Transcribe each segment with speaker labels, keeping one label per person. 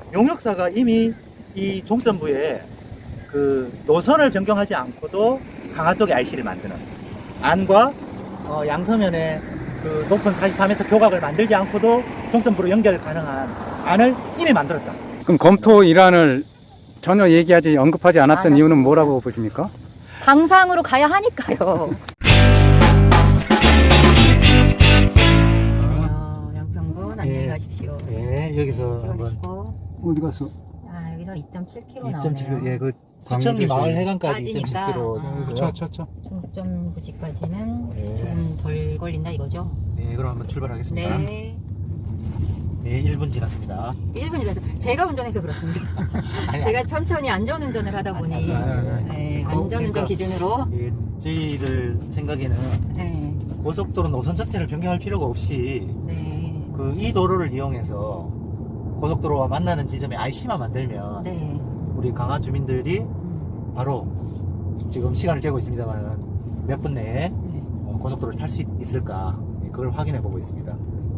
Speaker 1: 용역사가 이미 이 종점부에 그 노선을 변경하지 않고도 강화 쪽에 IC를 만드는 안과 양서면에 그 높은 44m 교각을 만들지 않고도 종점부로 연결 가능한 안을 이미 만들었다.
Speaker 2: 그럼 검토 일환을 전혀 얘기하지 언급하지 않았던 이유는 뭐라고 보십니까?
Speaker 3: 당상으로 가야 하니까요. 양평군 안녕히 가십시오.
Speaker 1: 예, 여기서 한번
Speaker 3: 찍어주시고.
Speaker 2: 어디 갔어?
Speaker 3: 아, 여기서 2.7km
Speaker 1: 2.7km,
Speaker 3: 나오네요.
Speaker 1: 예, 그 수천리 마을 해관까지
Speaker 3: 빠지니까.
Speaker 1: 2.7km.
Speaker 2: 쳐.
Speaker 3: 종점 부지까지는
Speaker 1: 네.
Speaker 3: 좀 덜 걸린다 이거죠?
Speaker 1: 네, 그럼 한번 출발하겠습니다.
Speaker 3: 네.
Speaker 1: 네, 1분 지났습니다.
Speaker 3: 1분 지나서 제가 운전해서 그렇습니다. 제가 천천히 안전운전을 하다 보니 네, 안전운전
Speaker 1: 그러니까
Speaker 3: 기준으로
Speaker 1: 예, 저희들 생각에는
Speaker 3: 네,
Speaker 1: 고속도로 노선 자체를 변경할 필요가 없이
Speaker 3: 네,
Speaker 1: 그 이 도로를 이용해서 고속도로와 만나는 지점에 IC만 만들면
Speaker 3: 네.
Speaker 1: 우리 강화 주민들이 바로 지금 시간을 재고 있습니다만 몇 분 내에
Speaker 3: 네.
Speaker 1: 고속도로를 탈 수 있을까, 그걸 확인해 보고 있습니다.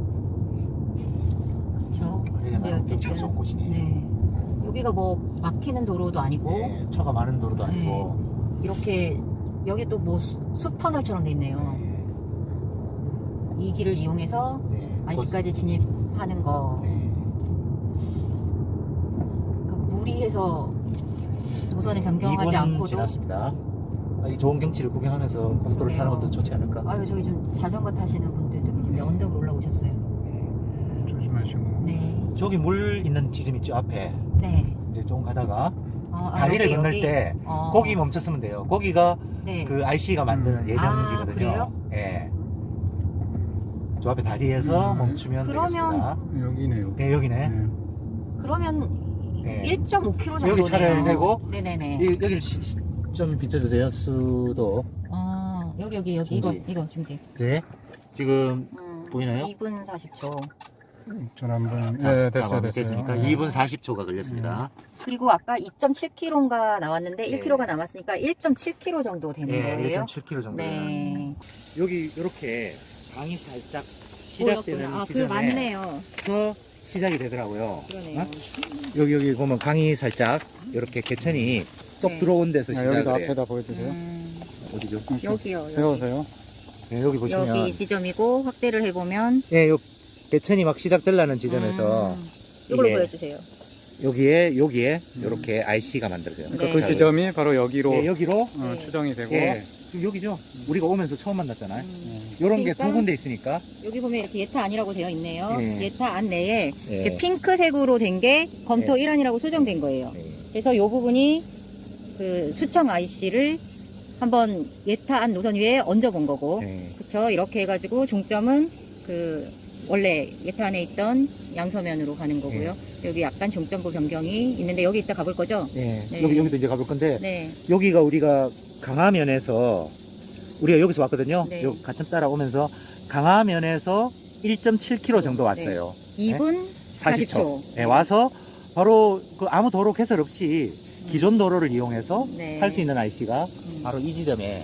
Speaker 3: 그렇죠.
Speaker 1: 여기가
Speaker 3: 네,
Speaker 1: 나름 경치가 좋은 곳이네.
Speaker 3: 네. 여기가 뭐 막히는 도로도 아니고
Speaker 1: 네, 차가 많은 도로도 아니고.
Speaker 3: 이렇게 여기 또 뭐 숲터널처럼 돼 있네요. 이 길을 이용해서
Speaker 1: 네,
Speaker 3: IC까지 진입하는 거.
Speaker 1: 네.
Speaker 3: 그러니까 무리해서 노선을 변경하지
Speaker 1: 2분
Speaker 3: 않고도.
Speaker 1: 지났습니다. 이 좋은 경치를 구경하면서 고속도로를 타는 것도 좋지 않을까?
Speaker 3: 아유, 저기 좀 자전거 타시는 분들도 계신데
Speaker 1: 네.
Speaker 3: 언덕으로 올라오셨어요.
Speaker 2: 조심하시고.
Speaker 3: 네.
Speaker 1: 저기 물 있는 지점 있죠, 앞에.
Speaker 3: 네.
Speaker 1: 이제 조금 가다가
Speaker 3: 아,
Speaker 1: 다리를
Speaker 3: 여기,
Speaker 1: 건널
Speaker 3: 여기.
Speaker 1: 때
Speaker 3: 어.
Speaker 1: 거기 멈췄으면 돼요. 거기가
Speaker 3: 네.
Speaker 1: 그 IC가 만드는 예정지거든요.
Speaker 3: 아, 그래요?
Speaker 1: 예. 저 앞에 다리에서 멈추면
Speaker 3: 그러면-
Speaker 1: 되겠습니다.
Speaker 2: 여기네요.
Speaker 1: 네, 여기네.
Speaker 2: 네.
Speaker 3: 그러면
Speaker 1: 네.
Speaker 3: 1.5km 정도네요.
Speaker 1: 여기 차를 대고
Speaker 3: 네네네.
Speaker 1: 여기를 좀 비춰주세요. 수도.
Speaker 3: 아, 여기
Speaker 1: 중지.
Speaker 3: 이거 중지.
Speaker 1: 네. 지금 보이나요?
Speaker 3: 2분 40초.
Speaker 2: 전 한번.
Speaker 1: 자,
Speaker 2: 네,
Speaker 1: 자,
Speaker 2: 됐어요.
Speaker 1: 됐습니까?
Speaker 2: 네.
Speaker 1: 2분 40초가 걸렸습니다.
Speaker 3: 그리고 아까 2.7km가 나왔는데
Speaker 1: 네.
Speaker 3: 1km가 남았으니까 1.7km 정도 되는
Speaker 1: 네,
Speaker 3: 거예요.
Speaker 1: 1.7km 정도.
Speaker 3: 네.
Speaker 1: 여기 이렇게 강이 살짝 시작되는
Speaker 3: 보였구나. 아, 그
Speaker 1: 지점에서
Speaker 3: 맞네요.
Speaker 1: 시작이 되더라고요.
Speaker 3: 그러네요.
Speaker 1: 어? 여기 보면 강이 살짝 이렇게 개천이 쏙
Speaker 3: 네.
Speaker 1: 들어온 데서
Speaker 2: 아,
Speaker 1: 시작을
Speaker 2: 여기도
Speaker 1: 해요.
Speaker 2: 앞에다 보여주세요.
Speaker 1: 어디죠?
Speaker 3: 여기요. 여기.
Speaker 2: 세우세요.
Speaker 1: 네, 여기 보시면
Speaker 3: 여기 지점이고 확대를 해보면
Speaker 1: 예, 요 개천이 막 시작되려는 지점에서
Speaker 3: 이걸로
Speaker 1: 이게
Speaker 3: 보여주세요.
Speaker 1: 여기에 이렇게 IC가 만들어져요.
Speaker 3: 네.
Speaker 2: 그 지점이 바로 여기로
Speaker 1: 예, 여기로
Speaker 3: 네.
Speaker 2: 추정이 되고.
Speaker 1: 예, 여기죠. 우리가 오면서 처음 만났잖아요.
Speaker 3: 음.
Speaker 1: 이런 게
Speaker 3: 그러니까
Speaker 1: 두 군데 있으니까.
Speaker 3: 여기 보면 이렇게 예타안이라고 되어 있네요.
Speaker 1: 예.
Speaker 3: 예타안 내에
Speaker 1: 예.
Speaker 3: 이렇게 핑크색으로 된 게 검토
Speaker 1: 예.
Speaker 3: 일환이라고 수정된 거예요.
Speaker 1: 네.
Speaker 3: 그래서 이 부분이 그 수청 IC를 한번 예타안 노선 위에 얹어본 거고,
Speaker 1: 네.
Speaker 3: 그쵸? 이렇게 해가지고 종점은 그 원래 예타안에 있던 양서면으로 가는 거고요. 여기 약간 종점부 변경이 있는데 여기 이따 가볼 거죠?
Speaker 1: 네.
Speaker 3: 네.
Speaker 1: 여기도 이제 가볼 건데
Speaker 3: 네.
Speaker 1: 여기가 우리가 강화면에서 우리가 여기서 왔거든요.
Speaker 3: 네.
Speaker 1: 요 가천 따라오면서 강화면에서 1.7km 정도 왔어요.
Speaker 3: 2분 40초.
Speaker 1: 네, 와서 바로 그 아무 도로 개설 없이 기존 도로를 이용해서
Speaker 3: 네.
Speaker 1: 할 수 있는 IC가 바로 이 지점에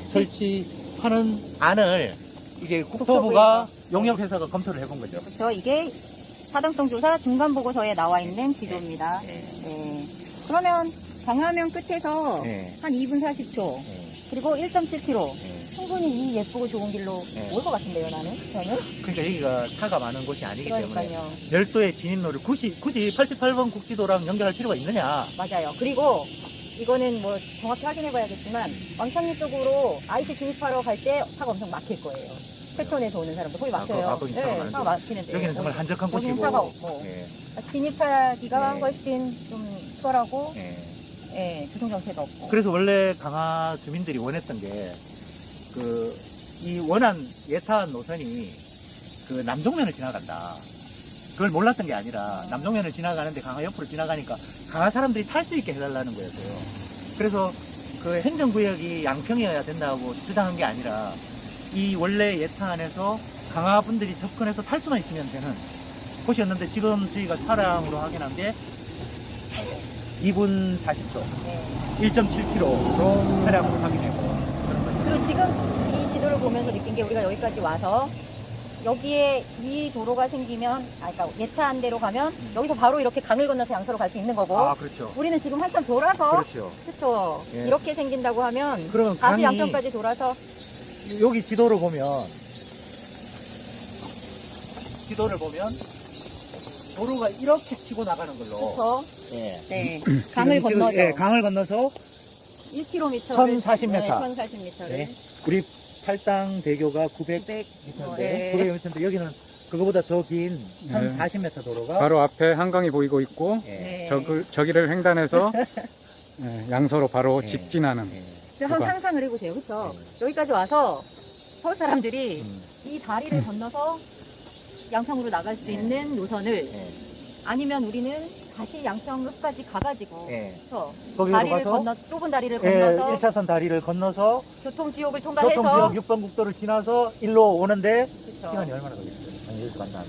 Speaker 1: 설치하는 안을 이제 국토부가 용역회사가 검토를 해본 거죠.
Speaker 3: 그렇죠. 이게 타당성 조사 중간 보고서에 나와 있는 지도입니다.
Speaker 1: 네.
Speaker 3: 네. 그러면 강화면 끝에서
Speaker 1: 네.
Speaker 3: 한 2분 40초
Speaker 1: 네.
Speaker 3: 그리고 1.7km
Speaker 1: 네.
Speaker 3: 충분히 이 예쁘고 좋은 길로
Speaker 1: 네.
Speaker 3: 올 것 같은데요, 저는.
Speaker 1: 그러니까 여기가 차가 많은 곳이 아니기 때문에
Speaker 3: 그러니까요.
Speaker 1: 별도의 진입로를 굳이 88번 국지도랑 연결할 필요가 있느냐.
Speaker 3: 맞아요. 그리고 이거는 뭐 정확히 확인해 봐야겠지만 왕창리 쪽으로 IC 진입하러 갈 때 차가 엄청 막힐 거예요. 패턴에서 오는 사람들 거의 막혀요.
Speaker 1: 거기 차가 많은데.
Speaker 3: 차가 막히는데
Speaker 1: 여기는 정말 한적한
Speaker 3: 여기는
Speaker 1: 곳이고.
Speaker 3: 차가 없고
Speaker 1: 예,
Speaker 3: 진입하기가
Speaker 1: 네.
Speaker 3: 훨씬 좀 수월하고
Speaker 1: 예.
Speaker 3: 예, 교통정체가 없고.
Speaker 1: 그래서 원래 강화 주민들이 원했던 게 이 원한 예타한 노선이 그 남종면을 지나간다. 그걸 몰랐던 게 아니라 남종면을 지나가는데 강화 옆으로 지나가니까 강화 사람들이 탈 수 있게 해달라는 거였어요. 그래서 그 행정구역이 양평이어야 된다고 주장한 게 아니라 이 원래 예타안에서 강화 분들이 접근해서 탈 수만 있으면 되는 곳이었는데 지금 저희가 차량으로 확인한 게 2분 40초,
Speaker 3: 네.
Speaker 1: 1.7km로 차량으로 확인했고 그런 거죠.
Speaker 3: 그리고 지금 이 지도를 보면서 느낀 게 우리가 여기까지 와서 여기에 이 도로가 생기면, 그러니까 예차한 대로 가면 여기서 바로 이렇게 강을 건너서 양서로 갈 수 있는 거고,
Speaker 1: 아, 그렇죠.
Speaker 3: 우리는 지금 한참 돌아서,
Speaker 1: 그렇죠.
Speaker 3: 그쵸.
Speaker 1: 예.
Speaker 3: 이렇게 생긴다고 하면
Speaker 1: 그러면
Speaker 3: 다시
Speaker 1: 강이
Speaker 3: 양평까지 돌아서,
Speaker 1: 여기 지도를 보면 도로가 이렇게 치고 나가는 걸로.
Speaker 3: 그쵸.
Speaker 1: 예.
Speaker 3: 네. 강을
Speaker 1: 지금
Speaker 3: 건너죠.
Speaker 1: 예, 강을 건너서
Speaker 3: 1km를.
Speaker 1: 1040m.
Speaker 3: 네, 1040m를.
Speaker 1: 네. 우리 팔당 대교가 900m인데
Speaker 3: 900. 네.
Speaker 1: 900m인데 여기는 그거보다 더 긴 1040m 도로가
Speaker 2: 바로 앞에 한강이 보이고 있고
Speaker 1: 예.
Speaker 3: 네.
Speaker 2: 저기를 횡단해서 양서로 바로
Speaker 1: 예.
Speaker 2: 직진하는.
Speaker 1: 예.
Speaker 3: 그래서 한번 상상을 해보세요. 그쵸? 여기까지 와서 서울 사람들이 이 다리를 건너서 양평으로 나갈 수
Speaker 1: 예.
Speaker 3: 있는 노선을,
Speaker 1: 예.
Speaker 3: 아니면 우리는 다시 양평까지 가가지고,
Speaker 1: 예.
Speaker 3: 그쵸?
Speaker 1: 거기로
Speaker 3: 다리를
Speaker 1: 가서
Speaker 3: 건너, 좁은 다리를
Speaker 1: 예,
Speaker 3: 건너서
Speaker 1: 1차선 다리를 건너서
Speaker 3: 교통지옥을 통과해서,
Speaker 1: 교통지역 6번 국도를 지나서 일로 오는데
Speaker 3: 그쵸?
Speaker 1: 시간이 얼마나 걸리겠어요? 아니, 여기서 간다면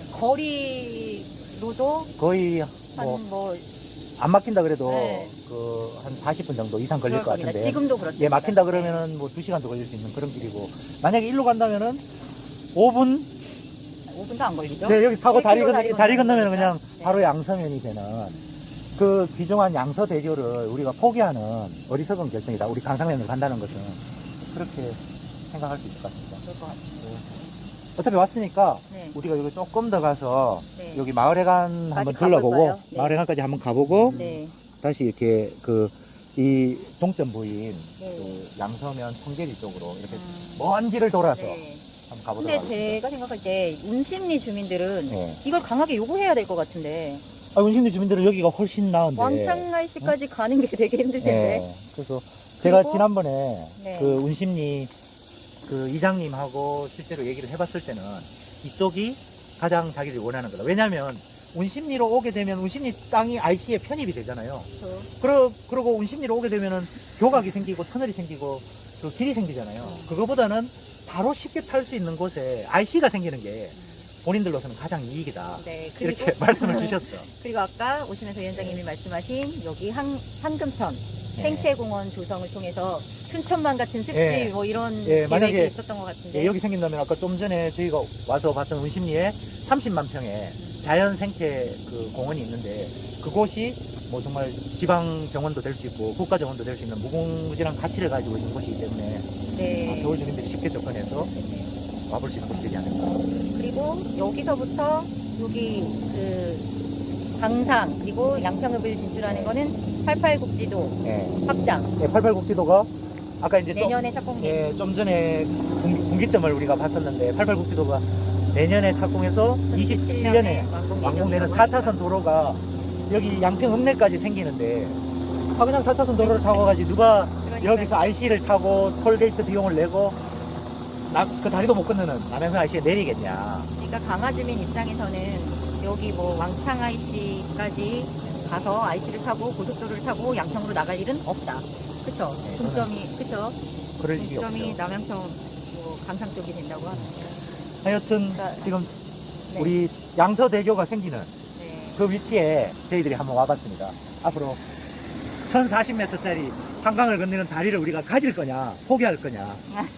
Speaker 3: 거리로도
Speaker 1: 거의
Speaker 3: 한 뭐
Speaker 1: 안 막힌다 그래도
Speaker 3: 네.
Speaker 1: 그 한 40분 정도 이상 걸릴
Speaker 3: 그럴
Speaker 1: 것
Speaker 3: 겁니다.
Speaker 1: 같은데
Speaker 3: 지금도 그렇습니다.
Speaker 1: 예, 막힌다 그러면은 뭐 2시간도 걸릴 수 있는 그런 길이고 만약에 일로 간다면은 5분
Speaker 3: 5분도 안 걸리죠?
Speaker 1: 네, 여기 타고
Speaker 3: 1km
Speaker 1: 다리 건너면 그냥
Speaker 3: 거니까. 네.
Speaker 1: 바로 양서면이 되는 그 귀중한 양서대교를 우리가 포기하는 어리석은 결정이다. 우리 강상면으로 간다는 것은 그렇게 생각할 수 있을 것 같습니다.
Speaker 3: 그럴 것 같아요.
Speaker 1: 어차피 왔으니까
Speaker 3: 네.
Speaker 1: 우리가 여기 조금 더 가서
Speaker 3: 네.
Speaker 1: 여기 마을회관 한번
Speaker 3: 가볼까요?
Speaker 1: 둘러보고
Speaker 3: 네.
Speaker 1: 마을회관까지 한번 가보고
Speaker 3: 네.
Speaker 1: 다시 이렇게 이 종점 보인
Speaker 3: 네.
Speaker 1: 그 양서면 청계리 쪽으로 이렇게
Speaker 3: 음.
Speaker 1: 먼 길을 돌아서
Speaker 3: 네.
Speaker 1: 한번 가보도록
Speaker 3: 근데
Speaker 1: 하겠습니다.
Speaker 3: 제가 생각할 때 운심리 주민들은
Speaker 1: 네.
Speaker 3: 이걸 강하게 요구해야 될 것 같은데,
Speaker 1: 운심리 주민들은 여기가 훨씬 나은데
Speaker 3: 왕창날 씨까지 가는 게 되게 힘들 텐데.
Speaker 1: 네. 그래서 제가
Speaker 3: 그리고-
Speaker 1: 지난번에
Speaker 3: 네.
Speaker 1: 그 운심리 그 이장님하고 실제로 얘기를 해봤을 때는 이쪽이 가장 자기들이 원하는 거다. 왜냐하면 운심리로 오게 되면 운심리 땅이 IC에 편입이 되잖아요. 그러고 운심리로 오게 되면은 교각이 생기고 터널이 생기고 그 길이 생기잖아요. 그거보다는 바로 쉽게 탈 수 있는 곳에 IC가 생기는 게 본인들로서는 가장 이익이다.
Speaker 3: 네. 그리고,
Speaker 1: 이렇게 말씀을 주셨어.
Speaker 3: 그리고 아까 오시면서 위원장님이 말씀하신 여기 한금천
Speaker 1: 네.
Speaker 3: 생태공원 조성을 통해서 춘천만 같은 습지
Speaker 1: 예.
Speaker 3: 뭐 이런
Speaker 1: 예,
Speaker 3: 계획이
Speaker 1: 만약에-
Speaker 3: 있었던 것 같은데.
Speaker 1: 예, 여기 생긴다면 아까 좀 전에 저희가 와서 봤던 운심리에 30만 평의 자연 생태 그 공원이 있는데 그곳이 뭐 정말 지방 정원도 될 수 있고 국가 정원도 될 수 있는 무궁무진한 가치를 가지고 있는 곳이기 때문에
Speaker 3: 네.
Speaker 1: 겨울 주민들이 쉽게 접근해서 와볼 수 있는 곳이 되지 않을까.
Speaker 3: 그리고 여기서부터 여기 그 강상 그리고 양평읍을 진출하는 거는 88국지도
Speaker 1: 예.
Speaker 3: 확장
Speaker 1: 예, 88국지도가 아까 이제
Speaker 3: 내년에 착공돼.
Speaker 1: 예, 좀 전에 분기점을 우리가 봤었는데 88국지도가 내년에 착공해서 27년에 완공되는 4차선 도로가 여기 양평 읍내까지 생기는데 그냥 4차선 도로를 타고 가지 누가 여기서 IC를 타고 톨게이트 비용을 내고 그 다리도 못 건너는 남양산 IC에 내리겠냐.
Speaker 3: 그러니까 강화주민 입장에서는 여기 뭐 왕창 IC까지 가서 IC를 타고 고속도로를 타고 양평으로 나갈 일은 없다. 그쵸?
Speaker 1: 네,
Speaker 3: 중점이 그쵸?
Speaker 1: 그럴 일이
Speaker 3: 중점이
Speaker 1: 없죠.
Speaker 3: 남양평 뭐 강상 쪽이 된다고 하니까.
Speaker 1: 하여튼
Speaker 3: 그러니까-
Speaker 1: 지금
Speaker 3: 네.
Speaker 1: 우리 양서대교가 생기는
Speaker 3: 네.
Speaker 1: 그 위치에 저희들이 한번 와봤습니다. 앞으로 1040m짜리 한강을 건너는 다리를 우리가 가질 거냐 포기할 거냐.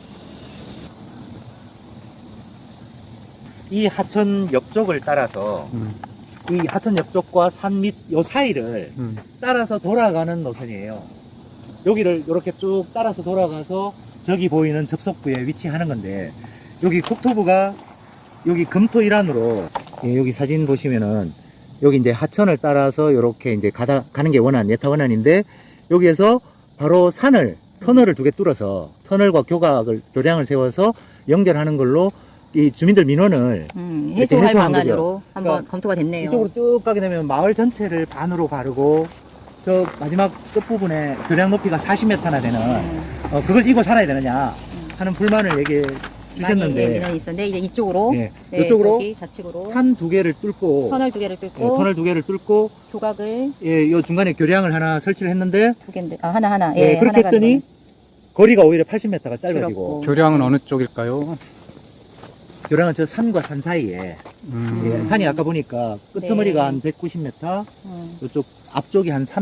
Speaker 1: 이 하천 옆쪽을 따라서 이 하천 옆쪽과 산 밑 요 사이를 따라서 돌아가는 노선이에요. 여기를 이렇게 쭉 따라서 돌아가서 저기 보이는 접속부에 위치하는 건데 여기 국토부가 여기 금토 일환으로 예, 여기 사진 보시면은 여기 이제 하천을 따라서 이렇게 이제 가는 게 원안 예타 원안인데 여기에서 바로 터널을 두 개 뚫어서 터널과 교량을 세워서 연결하는 걸로 이 주민들 민원을
Speaker 3: 해소할
Speaker 1: 해소한
Speaker 3: 방안으로 한번
Speaker 1: 그러니까
Speaker 3: 검토가 됐네요.
Speaker 1: 이쪽으로 쭉 가게 되면 마을 전체를 반으로 가르고 저 마지막 끝부분에 교량 높이가 40m나 되는 그걸 이고 살아야 되느냐 하는 불만을 얘기해
Speaker 3: 많이
Speaker 1: 주셨는데
Speaker 3: 민원이 있었는데 이제 이쪽으로
Speaker 1: 예,
Speaker 3: 네,
Speaker 1: 이쪽으로
Speaker 3: 저기 좌측으로
Speaker 1: 산 두 개를 뚫고
Speaker 3: 터널 두 개를
Speaker 1: 예,
Speaker 3: 뚫고
Speaker 1: 터널 두 개를 뚫고
Speaker 3: 조각을
Speaker 1: 예, 요 중간에 교량을 하나 설치를 했는데
Speaker 3: 두 개인데 하나
Speaker 1: 예, 그렇게
Speaker 3: 하나
Speaker 1: 했더니 거리가 오히려 80m가 짧아지고
Speaker 3: 줄었고.
Speaker 2: 교량은 어느 쪽일까요?
Speaker 1: 교량은 저 산과 산 사이에 예, 산이 아까 보니까 끄트머리가
Speaker 3: 네.
Speaker 1: 한 190m
Speaker 3: 음,
Speaker 1: 이쪽 앞쪽이 한 300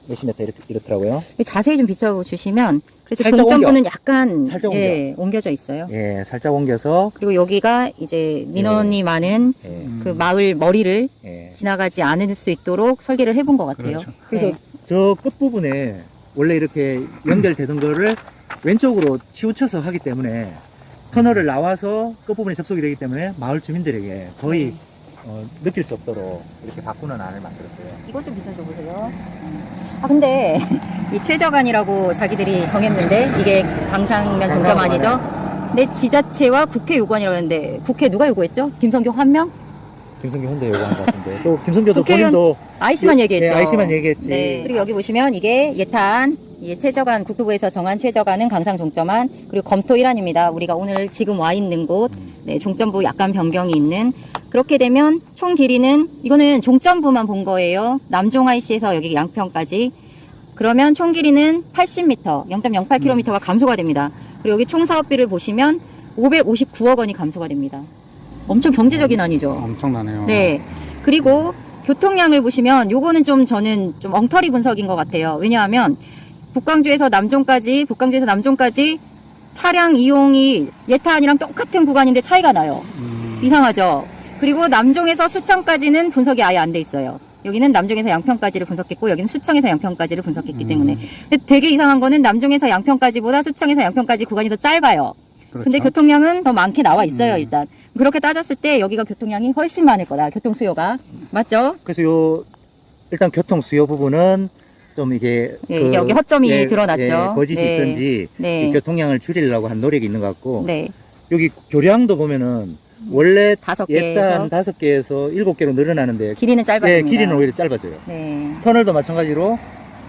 Speaker 1: 몇십 메터 이렇더라고요.
Speaker 3: 자세히 좀 비춰주시면 그래서
Speaker 1: 살짝
Speaker 3: 종점부는 약간
Speaker 1: 살짝
Speaker 3: 예, 옮겨져 있어요.
Speaker 1: 예, 살짝 옮겨서
Speaker 3: 그리고 여기가 이제 민원이 많은
Speaker 1: 예,
Speaker 3: 그 마을 머리를
Speaker 1: 예.
Speaker 3: 지나가지 않을 수 있도록 설계를 해본 것 같아요.
Speaker 2: 그렇죠.
Speaker 1: 그래서
Speaker 3: 네.
Speaker 1: 저 끝부분에 원래 이렇게 연결되던 거를 왼쪽으로 치우쳐서 하기 때문에 터널을 나와서 끝부분에 접속이 되기 때문에 마을 주민들에게 거의 느낄 수 없도록 이렇게 바꾸는 안을 만들었어요.
Speaker 3: 이거 좀 비춰줘 보세요. 아 근데 이 최저간이라고 자기들이 정했는데 이게 방상면 종점안이죠. 내 지자체와 국회 요구안이라고 했는데 국회 누가 요구했죠? 김성교 한 명?
Speaker 1: 김성규 혼자 요구한 것 같은데 또 김성규도
Speaker 3: 국회의원
Speaker 1: 본인도
Speaker 3: IC만 얘기했죠.
Speaker 1: 네, IC만 얘기했지.
Speaker 3: 네. 그리고 여기 보시면 이게 예탄, 최저간 국토부에서 정한 최저간은 강상 종점안, 그리고 검토 1안입니다. 우리가 오늘 지금 와 있는 곳, 네, 종점부 약간 변경이 있는. 그렇게 되면 총 길이는 이거는 종점부만 본 거예요. 남종 IC에서 여기 양평까지. 그러면 총 길이는 80m, 0.08km가 감소가 됩니다. 그리고 여기 총 사업비를 보시면 559억 원이 감소가 됩니다. 엄청 경제적인 안이죠.
Speaker 2: 엄청나네요.
Speaker 3: 네. 그리고 교통량을 보시면 요거는 좀 저는 좀 엉터리 분석인 것 같아요. 왜냐하면 북광주에서 남종까지 차량 이용이 예탄이랑 똑같은 구간인데 차이가 나요. 이상하죠? 그리고 남종에서 수청까지는 분석이 아예 안 돼 있어요. 여기는 남종에서 양평까지를 분석했고 여기는 수청에서 양평까지를 분석했기 때문에. 근데 되게 이상한 거는 남종에서 양평까지보다 수청에서 양평까지 구간이 더 짧아요.
Speaker 2: 그렇죠.
Speaker 3: 근데 교통량은 더 많게 나와 있어요, 일단. 그렇게 따졌을 때 여기가 교통량이 훨씬 많을 거다, 교통 수요가. 맞죠?
Speaker 1: 그래서 일단 교통 수요 부분은 좀 이게
Speaker 3: 예, 여기 허점이 드러났죠.
Speaker 1: 예, 거짓이
Speaker 3: 네.
Speaker 1: 있든지
Speaker 3: 네.
Speaker 1: 이 교통량을 줄이려고 한 노력이 있는 것 같고
Speaker 3: 네.
Speaker 1: 여기 교량도 보면은 원래
Speaker 3: 5개에서
Speaker 1: 예단 5개에서 7개로 늘어나는데
Speaker 3: 길이는 짧아집니다.
Speaker 1: 예, 길이는 오히려 짧아져요.
Speaker 3: 네.
Speaker 1: 터널도 마찬가지로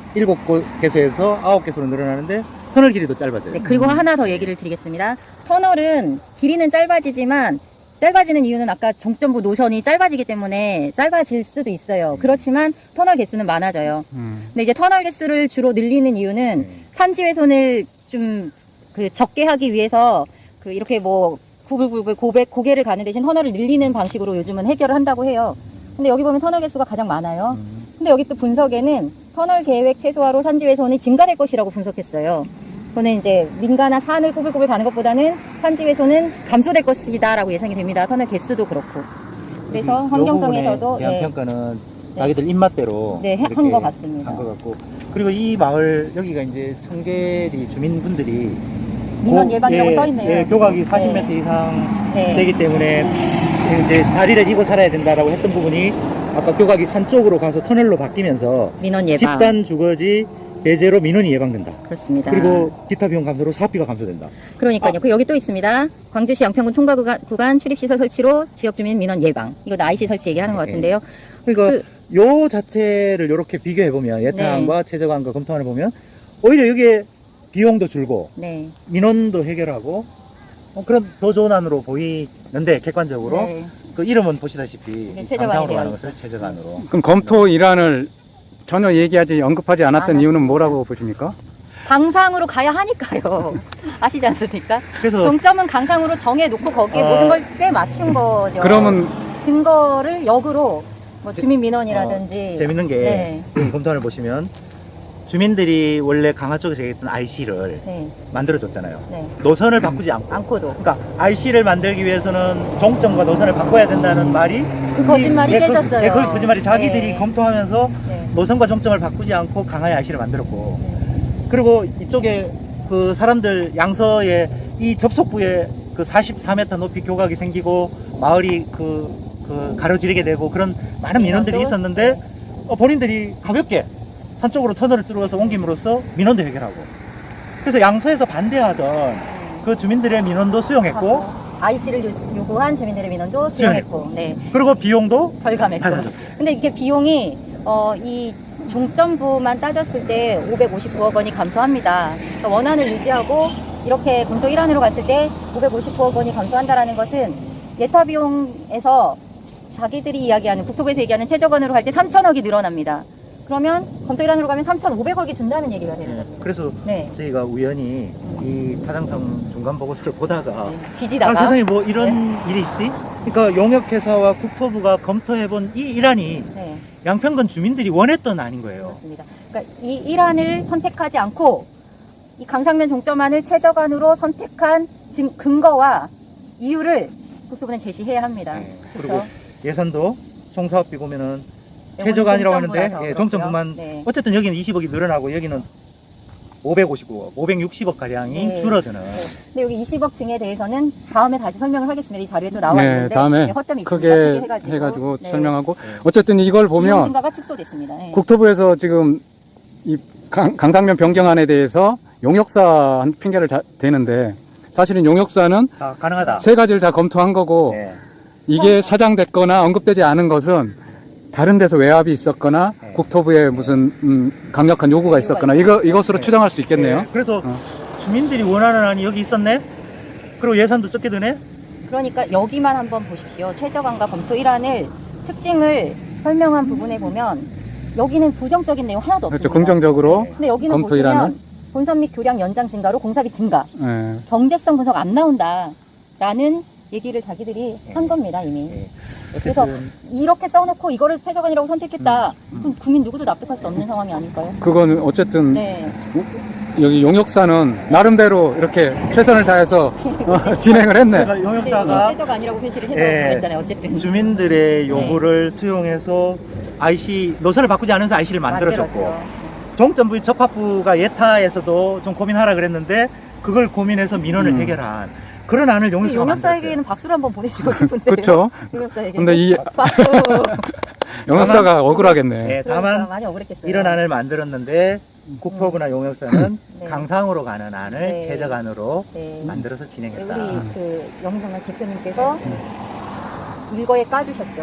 Speaker 1: 7개소에서 9개소로 늘어나는데 터널 길이도 짧아져요.
Speaker 3: 네, 그리고 하나 더 얘기를 드리겠습니다. 터널은 길이는 짧아지지만 짧아지는 이유는 아까 정점부 노선이 짧아지기 때문에 짧아질 수도 있어요. 그렇지만 터널 개수는 많아져요. 근데 이제 터널 개수를 주로 늘리는 이유는 산지 훼손을 좀 적게 하기 위해서 이렇게 뭐 구불구불 고개를 가는 대신 터널을 늘리는 방식으로 요즘은 해결을 한다고 해요. 근데 여기 보면 터널 개수가 가장 많아요. 근데 여기 또 분석에는 터널 계획 최소화로 산지 훼손이 증가될 것이라고 분석했어요. 저는 이제 민가나 산을 꼬불꼬불 가는 것보다는 산지 훼손은 감소될 것이다라고 예상이 됩니다. 터널 개수도 그렇고. 그래서 환경성에서도
Speaker 1: 대한 평가는 자기들 입맛대로
Speaker 3: 네, 한 것 같습니다.
Speaker 1: 한 것 같고 그리고 이 마을 여기가 이제 청계리 주민분들이
Speaker 3: 민원 예방이라고 써 있네요.
Speaker 1: 예, 교각이 40m 이상
Speaker 3: 네.
Speaker 1: 되기 때문에 이제 다리를 이고 살아야 된다라고 했던 부분이 아까 교각이 산 쪽으로 가서 터널로 바뀌면서
Speaker 3: 민원 예방.
Speaker 1: 집단 주거지 배제로 민원이 예방된다.
Speaker 3: 그렇습니다.
Speaker 1: 그리고 기타 비용 감소로 사업비가 감소된다.
Speaker 3: 그러니까요. 여기 또 있습니다. 광주시 양평군 통과 구간 출입시설 설치로 지역 주민 민원 예방. 이거 IC 설치 얘기하는 것 같은데요.
Speaker 1: 그러니까 요 자체를 이렇게 비교해 보면 예타안과 최저간과 검토안을 보면 오히려 여기에 비용도 줄고
Speaker 3: 네.
Speaker 1: 민원도 해결하고 그런 더 좋은 안으로 보이는데 객관적으로
Speaker 3: 네.
Speaker 1: 그 이름은 보시다시피
Speaker 3: 네, 최저간이
Speaker 1: 강상으로 가는
Speaker 3: 되어
Speaker 1: 것을 최저간으로.
Speaker 2: 그럼 검토 일환을 전혀 언급하지 않았던 이유는 뭐라고 보십니까?
Speaker 3: 강상으로 가야 하니까요. 아시지 않습니까?
Speaker 1: 그래서
Speaker 3: 종점은 강상으로 정해놓고 거기에 모든 걸 꽤 맞춘 거죠.
Speaker 2: 그러면
Speaker 3: 증거를 역으로 뭐 주민 민원이라든지
Speaker 1: 재밌는 게
Speaker 3: 네.
Speaker 1: 여기 검토안을 보시면 주민들이 원래 강화 쪽에서 얘기했던 IC를
Speaker 3: 네.
Speaker 1: 만들어줬잖아요.
Speaker 3: 네.
Speaker 1: 노선을 바꾸지 않고.
Speaker 3: 않고도
Speaker 1: 그러니까 IC를 만들기 위해서는 종점과 노선을 바꿔야 된다는 말이
Speaker 3: 그 거짓말이 깨졌어요.
Speaker 1: 그 거짓말이 자기들이
Speaker 3: 네.
Speaker 1: 검토하면서
Speaker 3: 네.
Speaker 1: 노선과 종점을 바꾸지 않고 강화의 IC를 만들었고
Speaker 3: 네.
Speaker 1: 그리고 이쪽에 그 사람들 양서에 이 접속부에 그 44m 높이 교각이 생기고 마을이 가로지르게 되고 그런 많은 민원들이
Speaker 3: 민원도?
Speaker 1: 있었는데 본인들이 가볍게 산 쪽으로 터널을 뚫어서 옮김으로써 민원도 해결하고 그래서 양서에서 반대하던 그 주민들의 민원도 수용했고
Speaker 3: IC를 요구한 주민들의 민원도 수용했고 네.
Speaker 1: 그리고 비용도
Speaker 3: 절감했고.
Speaker 1: 받아줬고.
Speaker 3: 근데 이게 비용이 이 종점부만 따졌을 때 559억 원이 감소합니다. 그러니까 원안을 유지하고 이렇게 검토 1안으로 갔을 때 559억 원이 감소한다라는 것은 예타 비용에서 자기들이 이야기하는 국토부에서 얘기하는 최저건으로 할 때 3천억이 늘어납니다. 그러면 검토 일환으로 가면 3,500억이 준다는 얘기가 되는
Speaker 1: 네.
Speaker 3: 거죠.
Speaker 1: 그래서
Speaker 3: 네.
Speaker 1: 저희가 우연히 이 타당성 중간 보고서를 보다가
Speaker 3: 뒤지다가
Speaker 1: 아, 세상에 뭐 이런 일이 있지? 그러니까 용역회사와 국토부가 검토해본 이 일안이
Speaker 3: 네.
Speaker 1: 양평군 주민들이 원했던 안인 거예요.
Speaker 3: 그렇습니다. 그러니까 이 일환을 선택하지 않고 이 강상면 종점안을 최저간으로 선택한 지금 근거와 이유를 국토부는 제시해야 합니다.
Speaker 1: 네.
Speaker 3: 그렇죠?
Speaker 1: 그리고 예산도 총사업비 보면은
Speaker 3: 네,
Speaker 1: 최저간이라고
Speaker 3: 오늘
Speaker 1: 하는데
Speaker 3: 종점부라서
Speaker 1: 예,
Speaker 3: 그렇고요.
Speaker 1: 종점부만
Speaker 3: 네.
Speaker 1: 어쨌든 여기는 20억이 늘어나고 여기는 559억, 560억 가량이
Speaker 3: 네.
Speaker 1: 줄어드는.
Speaker 3: 네. 근데 여기 20억 증에 대해서는 다음에 다시 설명을 하겠습니다. 이 자료에 또 나와
Speaker 2: 네,
Speaker 3: 있는데
Speaker 2: 다음에
Speaker 3: 네, 허점이
Speaker 2: 크게
Speaker 3: 있습니다.
Speaker 2: 해가지고
Speaker 3: 네.
Speaker 2: 설명하고
Speaker 1: 네.
Speaker 2: 어쨌든 이걸
Speaker 3: 비용
Speaker 2: 보면
Speaker 3: 증가가 축소됐습니다. 네.
Speaker 2: 국토부에서 지금 이 강상면 변경안에 대해서 용역사 핑계를 대는데 사실은 용역사는
Speaker 1: 아, 가능하다.
Speaker 2: 세 가지를 다 검토한 거고
Speaker 1: 네.
Speaker 2: 이게 사장됐거나 언급되지 않은 것은 다른 데서 외압이 있었거나
Speaker 1: 네.
Speaker 2: 국토부에 무슨 강력한 요구가 있었거나 이것으로
Speaker 1: 네.
Speaker 2: 추정할 수 있겠네요.
Speaker 1: 네. 그래서
Speaker 2: 어.
Speaker 1: 주민들이 원하는 안이 여기 있었네? 그리고 예산도 적게 드네?
Speaker 3: 그러니까 여기만 한번 보십시오. 최저간과 검토 일환을 특징을 설명한 부분에 보면 여기는 부정적인 내용 하나도
Speaker 2: 그렇죠.
Speaker 3: 없습니다.
Speaker 2: 긍정적으로
Speaker 3: 근데 여기는
Speaker 2: 검토
Speaker 3: 보시면
Speaker 2: 일환을?
Speaker 3: 본선 및 교량 연장 증가로 공사비 증가,
Speaker 2: 예.
Speaker 3: 경제성 분석 안 나온다라는 얘기를 자기들이
Speaker 1: 네.
Speaker 3: 한 겁니다 이미.
Speaker 1: 네.
Speaker 3: 그래서
Speaker 1: 어쨌든
Speaker 3: 이렇게 써놓고 이거를 최저간이라고 선택했다.
Speaker 1: 음.
Speaker 3: 그럼 국민 누구도 납득할 수 없는 상황이 아닐까요?
Speaker 2: 그거는 어쨌든
Speaker 3: 네.
Speaker 2: 여기 용역사는 나름대로 이렇게 최선을 다해서 진행을 했네.
Speaker 1: 그러니까
Speaker 3: 네,
Speaker 1: 용역사가
Speaker 3: 최저간이라고 표시를 해서
Speaker 1: 예.
Speaker 3: 그랬잖아요. 어쨌든.
Speaker 1: 주민들의 요구를 수용해서 IC 노선을 바꾸지 않으면서 IC를 만들어줬고
Speaker 3: 만들었죠.
Speaker 1: 종점부 접합부가 예타에서도 좀 고민하라 그랬는데 그걸 고민해서 민원을
Speaker 2: 음.
Speaker 1: 해결한 그런 안을
Speaker 3: 근데
Speaker 1: 용역사가
Speaker 3: 용역사에게는 박수를 한번 보내주고 싶은데요.
Speaker 2: 그렇죠.
Speaker 3: 용역사에게.
Speaker 2: 근데 이
Speaker 3: 박수.
Speaker 2: 용역사가 억울하겠네.
Speaker 1: 예,
Speaker 3: 그러니까
Speaker 1: 다만
Speaker 3: 많이 억울했겠어요.
Speaker 1: 이런 안을 만들었는데 국토부나 용역사는
Speaker 3: 네.
Speaker 1: 강상으로 가는 안을
Speaker 3: 네.
Speaker 1: 최저간으로
Speaker 3: 네.
Speaker 1: 만들어서
Speaker 3: 네,
Speaker 1: 진행했다.
Speaker 3: 우리 그 영성남 대표님께서 일거에 까주셨죠.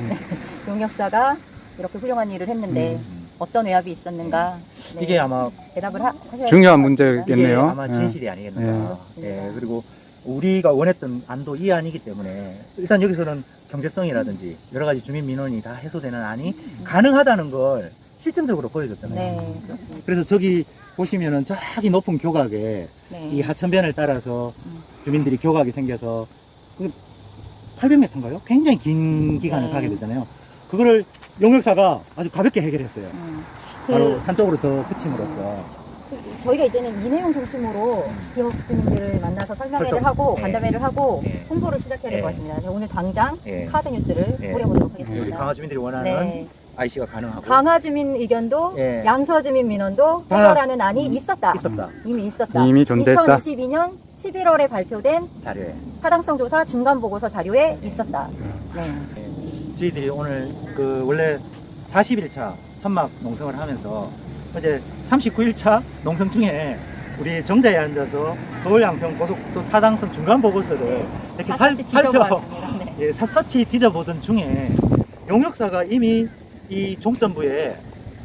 Speaker 3: 용역사가 이렇게 훌륭한 일을 했는데 어떤 외압이 있었는가. 네,
Speaker 1: 이게 아마
Speaker 3: 대답을 하셔야
Speaker 2: 중요한
Speaker 3: 될것 같습니다.
Speaker 1: 이게
Speaker 2: 문제겠네요.
Speaker 1: 아마
Speaker 2: 예.
Speaker 1: 진실이 아니겠는가.
Speaker 3: 예.
Speaker 1: 예, 그리고 우리가 원했던 안도 이 안이기 때문에 일단 여기서는 경제성이라든지 여러 가지 주민 민원이 다 해소되는 안이 가능하다는 걸 실증적으로 보여줬잖아요.
Speaker 3: 네, 그렇습니다.
Speaker 1: 그래서 저기 보시면은 저기 높은 교각에
Speaker 3: 네.
Speaker 1: 이 하천변을 따라서
Speaker 3: 음.
Speaker 1: 주민들이 교각이 생겨서 그 800m인가요? 굉장히 긴 기간을
Speaker 3: 네.
Speaker 1: 가게 되잖아요. 그거를 용역사가 아주 가볍게 해결했어요. 바로
Speaker 3: 그
Speaker 1: 산 쪽으로 더 그침으로써.
Speaker 3: 저희가 이제는 이 내용 중심으로 지역 주민들을 만나서 설명회를
Speaker 1: 설득.
Speaker 3: 하고
Speaker 1: 네.
Speaker 3: 간담회를 하고
Speaker 1: 네.
Speaker 3: 홍보를 시작해야 될 것
Speaker 1: 네.
Speaker 3: 같습니다. 제가 오늘 당장
Speaker 1: 예.
Speaker 3: 카드 뉴스를
Speaker 1: 네.
Speaker 3: 뿌려보도록
Speaker 1: 우리
Speaker 3: 하겠습니다.
Speaker 1: 강화 주민들이 원하는
Speaker 3: 네.
Speaker 1: IC가 가능하고
Speaker 3: 강화 주민 의견도
Speaker 1: 예.
Speaker 3: 양서 주민 민원도
Speaker 1: 다
Speaker 3: 해결하는 안이 있었다.
Speaker 1: 있었다.
Speaker 3: 이미 있었다.
Speaker 2: 이미 존재했다.
Speaker 3: 2022년 11월에 발표된
Speaker 1: 자료에.
Speaker 3: 타당성 조사 중간 보고서 자료에 있었다. 네.
Speaker 1: 예. 저희들이 오늘 그 원래 40일차 천막 농성을 하면서 어제 39일차 농성 중에 우리 정자에 앉아서 서울 양평 고속도로 타당성 중간 보고서를 이렇게
Speaker 3: 샅샅이
Speaker 1: 살펴
Speaker 3: 뒤져보았습니다. 네.
Speaker 1: 예, 샅샅이 뒤져보던 중에 용역사가 이미 이 종점부에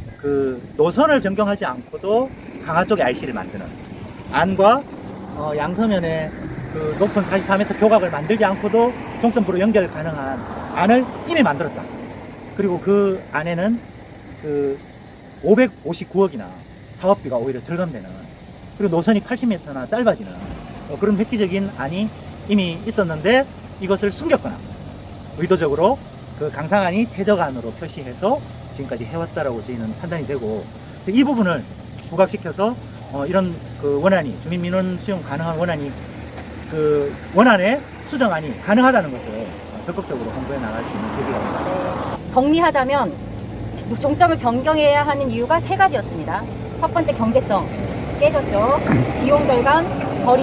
Speaker 1: 그 노선을 변경하지 않고도 강화 쪽에 IC를 만드는 안과 양서면에 그 높은 44m 교각을 만들지 않고도 종점부로 연결 가능한 안을 이미 만들었다. 그리고 그 안에는 그 559억이나 사업비가 오히려 절감되는, 그리고 노선이 80m나 짧아지는 그런 획기적인 안이 이미 있었는데 이것을 숨겼거나 의도적으로 그 강상안이 최저간으로 표시해서 지금까지 해왔다라고 저희는 판단이 되고, 이 부분을 부각시켜서 이런 그 원안이, 주민민원 수용 가능한 원안이, 그 원안의 수정안이 가능하다는 것을 적극적으로 홍보해 나갈 수 있는 계기가 됩니다.
Speaker 3: 네. 정리하자면 종점을 변경해야 하는 이유가 세 가지였습니다. 첫 번째, 경제성 깨졌죠. 비용 절감, 거리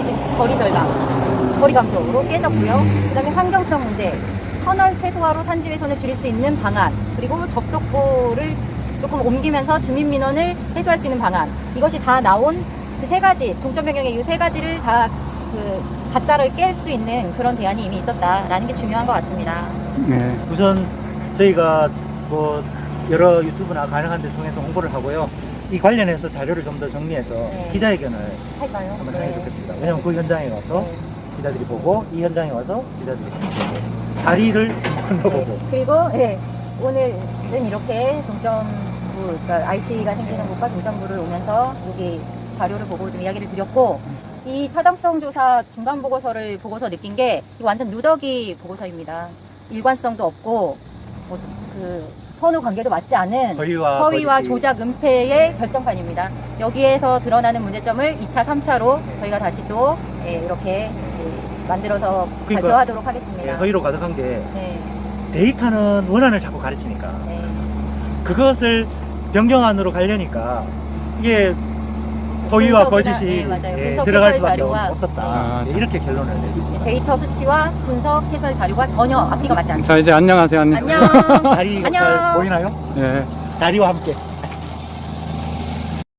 Speaker 3: 절감, 거리 감소로 깨졌고요. 그 다음에 환경성 문제, 터널 최소화로 산지 훼손을 줄일 수 있는 방안, 그리고 접속구를 조금 옮기면서 주민 민원을 해소할 수 있는 방안, 이것이 다 나온 그 세 가지, 종점 변경의 이 세 가지를 다 그 가짜를 깰 수 있는 그런 대안이 이미 있었다라는 게 중요한 것 같습니다.
Speaker 2: 네.
Speaker 1: 우선 저희가 뭐 여러 유튜브나 가능한 데 통해서 홍보를 하고요. 이 관련해서 자료를 좀 더 정리해서
Speaker 3: 네.
Speaker 1: 기자회견을
Speaker 3: 할까요?
Speaker 1: 한번
Speaker 3: 네.
Speaker 1: 하면 좋겠습니다. 왜냐면 그 현장에 가서
Speaker 3: 네.
Speaker 1: 기자들이 보고, 이 현장에 와서 기자들이 보고, 다리를 건너보고.
Speaker 3: 네. 그리고 네, 오늘은 이렇게 종점 조정부, 그러니까 IC가 생기는 곳과 조정부를 오면서 여기 자료를 보고 좀 이야기를 드렸고, 이 타당성 조사 중간 보고서를 보고서 느낀 게 이거 완전 누더기 보고서입니다. 일관성도 없고 그 선후 관계도 맞지 않은
Speaker 1: 허위와 거짓이.
Speaker 3: 조작 은폐의 결정판입니다. 여기에서 드러나는 문제점을 2차, 3차로 저희가 다시 또 이렇게 만들어서
Speaker 1: 그러니까,
Speaker 3: 발표하도록 하겠습니다.
Speaker 1: 예, 허위로 가득한 게
Speaker 3: 네,
Speaker 1: 데이터는 원안을 자꾸 가르치니까
Speaker 3: 네.
Speaker 1: 그것을 변경안으로 가려니까 이게 허위와
Speaker 3: 분석이나-
Speaker 1: 거짓이
Speaker 3: 네, 맞아요. 분석
Speaker 1: 들어갈
Speaker 3: 해설
Speaker 1: 수밖에
Speaker 3: 자료가-
Speaker 1: 없었다.
Speaker 2: 아,
Speaker 1: 예, 이렇게 결론을 내셨습니다.
Speaker 3: 데이터 수치와 분석 해설 자료가 전혀 앞뒤가 맞지 않습니다.
Speaker 2: 자, 이제 안녕하세요. 안녕.
Speaker 3: 안녕.
Speaker 1: 다리가
Speaker 3: 안녕.
Speaker 1: 잘 보이나요?
Speaker 2: 예.
Speaker 1: 다리와 함께.